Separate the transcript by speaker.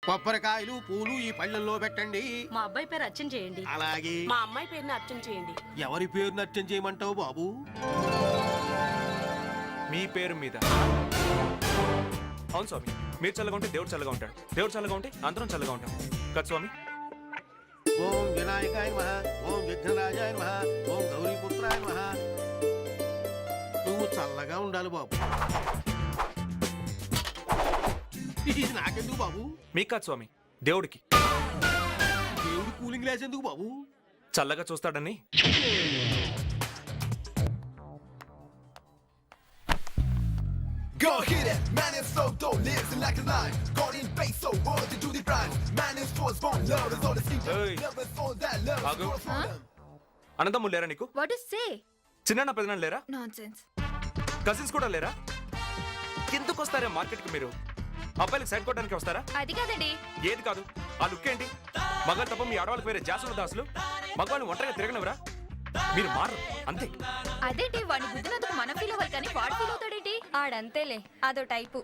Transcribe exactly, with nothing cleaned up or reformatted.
Speaker 1: కొబ్బరికాయలు పూలు ఈ పళ్ళల్లో పెట్టండి.
Speaker 2: మా అబ్బాయి పేరు అర్చన చేయండి.
Speaker 1: అలాగే.
Speaker 3: మా అమ్మాయి పేరుని అర్చన చేయండి.
Speaker 1: ఎవరి పేరు నర్చన చేయమంటావు బాబు?
Speaker 4: మీ పేరు మీద. అవును స్వామి, మీరు చల్లగా ఉంటే దేవుడు చల్లగా ఉంటాడు, దేవుడు చల్లగా ఉంటే అందరం చల్లగా ఉంటాం కదా స్వామి.
Speaker 1: ఓం వినాయకాయ నమః, ఓం విఘ్నరాజాయ నమః, ఓం గౌరీపుత్రాయ నమః. నువ్వు చల్లగా ఉండాలి బాబు. ఇది నాకెందుకు బాబు?
Speaker 4: మీకు కాదు స్వామి, దేవుడికి.
Speaker 1: దేవుడు కూలింగ్ గ్లాస్ ఎందుకు బాబు?
Speaker 4: చల్లగా చూస్తాడని.
Speaker 5: Go hit it, man is so dope, lives in like a lion. God in base, so world to do the prime. Man is force born, love is all the season.
Speaker 4: Hey.
Speaker 5: Never saw that love is
Speaker 4: Agu.
Speaker 5: grow from them.
Speaker 4: అనంతమ్ములు లేరా నీకు?
Speaker 6: What to say
Speaker 4: చిన్న పెద్దనాన్న లేరా?
Speaker 6: Nonsense.
Speaker 4: Cousins కూడా లేరా? ఎందుకు వస్తారా market కి మీరు? అబ్బాయిలకు సైడ్ కొట్టడానికి వస్తారా?
Speaker 6: అది కాదండి.
Speaker 4: ఏది కాదు, ఆ లుక్ ఏంటి? మగాళ్ళు తప్ప మీ ఆడవాళ్ళకి వేరే జాసుల దాసులు. మగవాళ్ళని ఒంటరిగా తిరగనవరా? మీరు మారరు అంతే.
Speaker 6: అదేంటి వాడిని గుద్దినందుకు మనం ఫీల్ అవ్వాలి కానీ వాడు ఫీల్ అవుతాడేంటి?
Speaker 7: ఆడంతేలే, అదో టైపు.